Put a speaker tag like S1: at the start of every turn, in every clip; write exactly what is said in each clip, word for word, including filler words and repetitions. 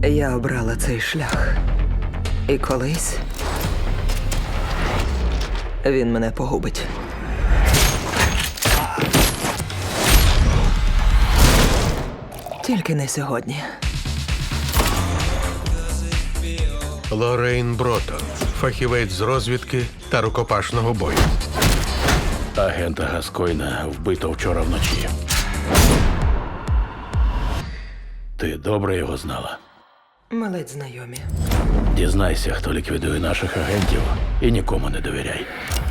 S1: Я обрала цей шлях. І колись він мене погубить. Тільки не сьогодні.
S2: Лоррейн Бротон, фахівець з розвідки та рукопашного бою.
S3: Агента Гаскойна вбито вчора вночі. Ти добре його знала?
S1: Ми ледь знайомі.
S3: Дізнайся, хто ліквідує наших агентів, і нікому не довіряй.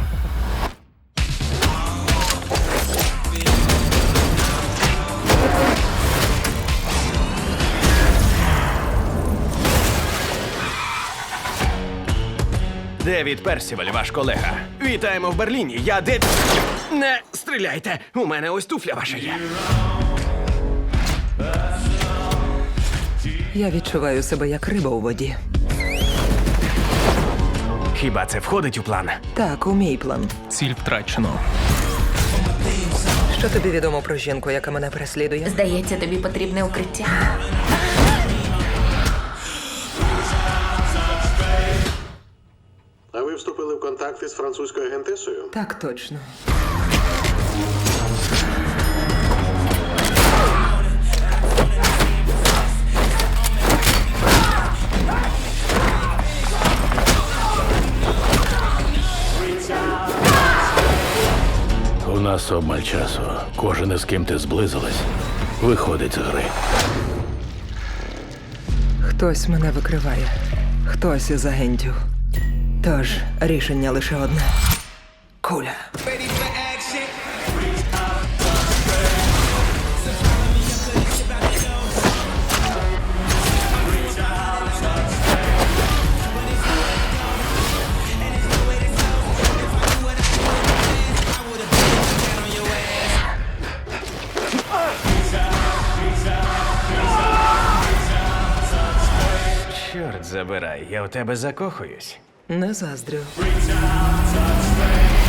S4: Девід Персіваль, ваш колега. Вітаємо в Берліні. Я де... Не стріляйте! У мене ось туфля ваша є.
S1: Я відчуваю себе як риба у воді.
S4: Хіба це входить у план?
S1: Так, у мій план.
S5: Ціль втрачено.
S1: Що тобі відомо про жінку, яка мене переслідує?
S6: Здається, тобі потрібне укриття.
S2: А ви вступили в контакти з французькою агентесою?
S1: Так точно.
S3: У нас обмаль часу. Кожен із ким ти зблизилась, виходить з гри.
S1: Хтось мене викриває. Хтось із агентів. Тож, рішення лише одне. Куля.
S4: Чорт забирай, я у тебе закохуюсь.
S1: Не заздрю.
S7: Reach out, touch,